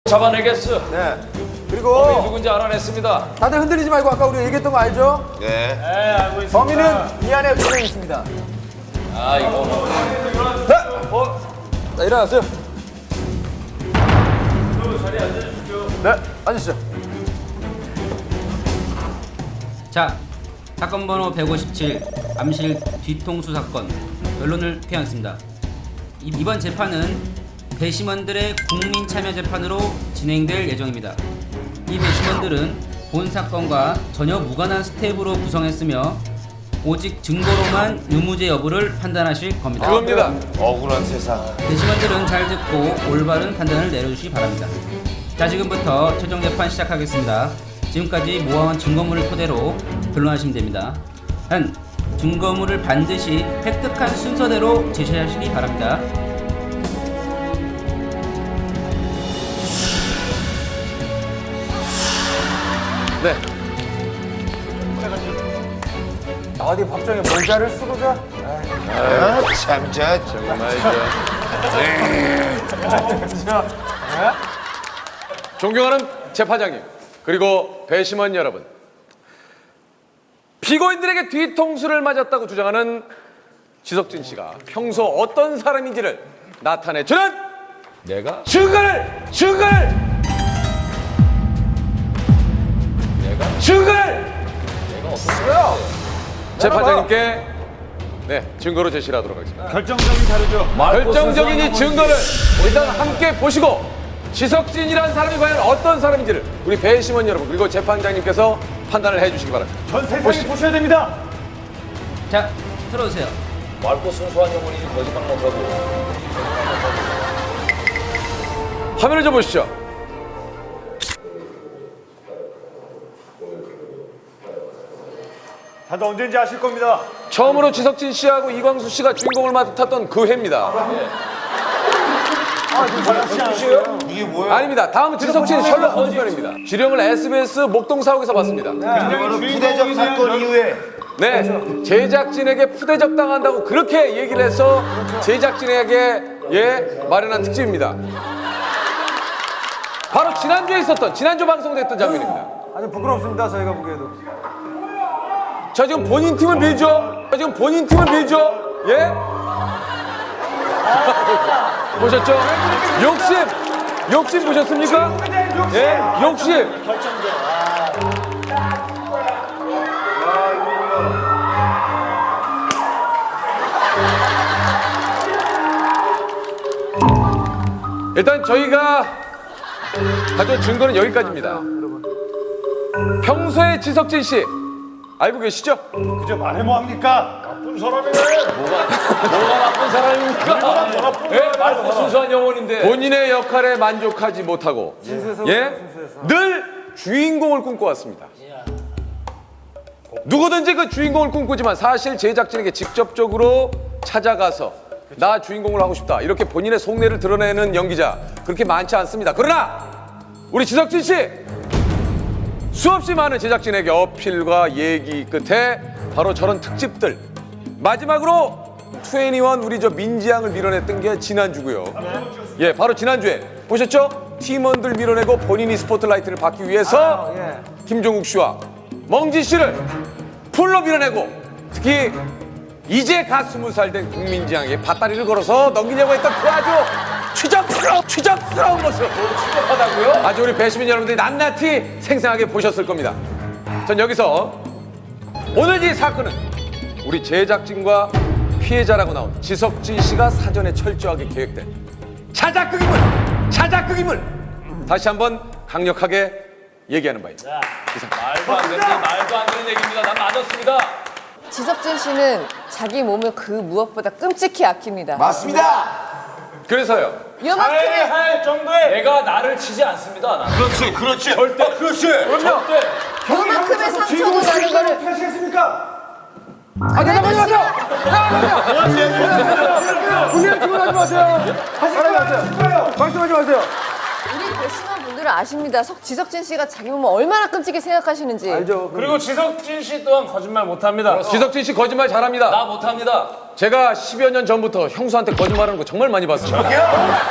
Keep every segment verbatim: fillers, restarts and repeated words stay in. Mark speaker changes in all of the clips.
Speaker 1: 잡아내겠어.
Speaker 2: 네.
Speaker 1: 범인
Speaker 2: 그리고
Speaker 1: 누군지 알아냈습니다.
Speaker 2: 다들 흔들리지 말고 아까 우리 얘기했던 거 알죠?
Speaker 3: 네.
Speaker 4: 네, 알고 있습니다.
Speaker 2: 범인은 이 안에 두 명 있습니다.
Speaker 1: 아 이거
Speaker 2: 네. 어. 자, 일어나세요.
Speaker 4: 자리에 앉아주십시오.
Speaker 2: 네, 앉으시죠.
Speaker 5: 자, 사건 번호 백오십칠 암실 뒤통수 사건 결론을 표하겠습니다. 이- 이번 재판은 배심원들의 국민 참여 재판으로 진행될 예정입니다. 이 배심원들은 본 사건과 전혀 무관한 스텝으로 구성했으며 오직 증거로만 유무죄 여부를 판단하실 겁니다.
Speaker 1: 그겁니다.
Speaker 3: 억울한 세상.
Speaker 5: 배심원들은 잘 듣고 올바른 판단을 내려주시기 바랍니다. 자, 지금부터 최종 재판 시작하겠습니다. 지금까지 모아온 증거물을 토대로 변론하시면 됩니다. 한, 증거물을 반드시 획득한 순서대로 제시하시기 바랍니다.
Speaker 1: 네.
Speaker 2: 어디 법정에 모자를 쓰고 자?
Speaker 3: 아, 참, 저,
Speaker 1: 정말 저 존경하는 재판장님 그리고 배심원 여러분, 피고인들에게 뒤통수를 맞았다고 주장하는 지석진 씨가 평소 어떤 사람인지를 나타내주는 내가 증거를 증거를 내가 증거를 내가 어떤 거야? 재판장님께 네 증거로 제시를 하도록 하겠습니다.
Speaker 4: 결정적인 자료죠.
Speaker 1: 결정적인 이 증거를 일단 함께 보시고 지석진이라는 사람이 과연 어떤 사람인지를 우리 배심원 여러분 그리고 재판장님께서 판단을 해주시기 바랍니다.
Speaker 4: 전 세상이
Speaker 1: 보시죠.
Speaker 4: 보셔야 됩니다.
Speaker 5: 자, 들어오세요.
Speaker 1: 맑고 순수한 영혼이지 거짓말 못하고. 화면을 좀 보시죠.
Speaker 4: 다들 언제인지 아실 겁니다.
Speaker 1: 처음으로 지석진 씨하고 이광수 씨가 주인공을 맡았던 그 해입니다.
Speaker 3: 이게 뭐야?
Speaker 1: 아닙니다. 다음은 지석진 셜록 홈즈 편입니다. 주령을 에스비에스 목동사옥에서 봤습니다.
Speaker 3: 부대적 사건 이후에
Speaker 1: 네, 제작진에게 푸대접 당한다고 그렇게 얘기를 해서 제작진에게 예 마련한 특집입니다. 바로 지난주에 있었던 지난주 방송됐던 장면입니다.
Speaker 2: 아주 부끄럽습니다, 저희가 보기에도.
Speaker 1: 저 지금 본인 팀을 밀죠. 저 지금 본인 팀을 밀죠. 예? 보셨죠? 욕심, 욕심 보셨습니까? 예, 욕심. 일단 저희가 가져온 증거는 여기까지입니다. 평소에 지석진 씨 알고 계시죠?
Speaker 4: 그저 말해 뭐합니까? 나쁜 사람이네.
Speaker 1: 뭐가 나쁜 사람입니까? 예? 맑고 순수한 영혼인데 본인의 역할에 만족하지 못하고 예? 늘 주인공을 꿈꿔왔습니다. 누구든지 그 주인공을 꿈꾸지만 사실 제작진에게 직접적으로 찾아가서 나 주인공을 하고 싶다 이렇게 본인의 속내를 드러내는 연기자 그렇게 많지 않습니다. 그러나 우리 지석진 씨 수없이 많은 제작진에게 어필과 얘기 끝에 바로 저런 특집들 마지막으로 이십일 우리 저 민지양을 밀어냈던 게 지난주고요. 예, 바로 지난주에 보셨죠? 팀원들 밀어내고 본인이 스포트라이트를 받기 위해서 김종국 씨와 멍지 씨를 풀로 밀어내고 특히 이제 갓 스무 살 된 국민지향에 밭다리를 걸어서 넘기려고 했던 그 아주 추접스러운, 추접스러운 모습. 추접하다고요? 아주 우리 배시민 여러분들이 낱낱이 생생하게 보셨을 겁니다. 전 여기서 오늘 이 사건은 우리 제작진과 피해자라고 나온 지석진 씨가 사전에 철저하게 계획된 자작극임을, 자작극임을 다시 한번 강력하게 얘기하는 바입니다.
Speaker 6: 말도 안 되는 말도 안 되는 얘기입니다. 난 맞았습니다.
Speaker 7: 지석진 씨는 자기 몸을 그 무엇보다 끔찍히 아낍니다.
Speaker 3: 맞습니다.
Speaker 1: 그래서요.
Speaker 7: 요만큼의
Speaker 4: 할 정도의
Speaker 6: 내가 나를 치지 않습니다. 나는.
Speaker 3: 그렇지, 그렇지.
Speaker 6: 절대.
Speaker 3: 그렇지.
Speaker 1: 그럼요.
Speaker 6: 절대.
Speaker 7: 요만큼의 상처도 나는 거를
Speaker 4: 하시겠습니까?
Speaker 2: 아, 대답하지 마세요! 대답하지 분명히 질문하지 마세요! 하지 마세요! 말씀하지 마세요!
Speaker 7: 우리 배심원 분들은 아십니다. 석- 지석진 씨가 자기 몸을 얼마나 끔찍히 생각하시는지.
Speaker 2: 알죠?
Speaker 4: 그리고 지석진 씨 또한 거짓말 못합니다.
Speaker 1: 지석진 씨 거짓말 잘합니다.
Speaker 6: 나 못합니다.
Speaker 1: 제가 십여 년 전부터 형수한테 거짓말하는 거 정말 많이 봤습니다.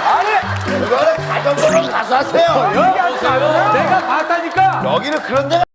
Speaker 3: 이거는 가정법원 가서 하세요.
Speaker 1: 내가 봤다니까.
Speaker 3: 여기는 그런 데가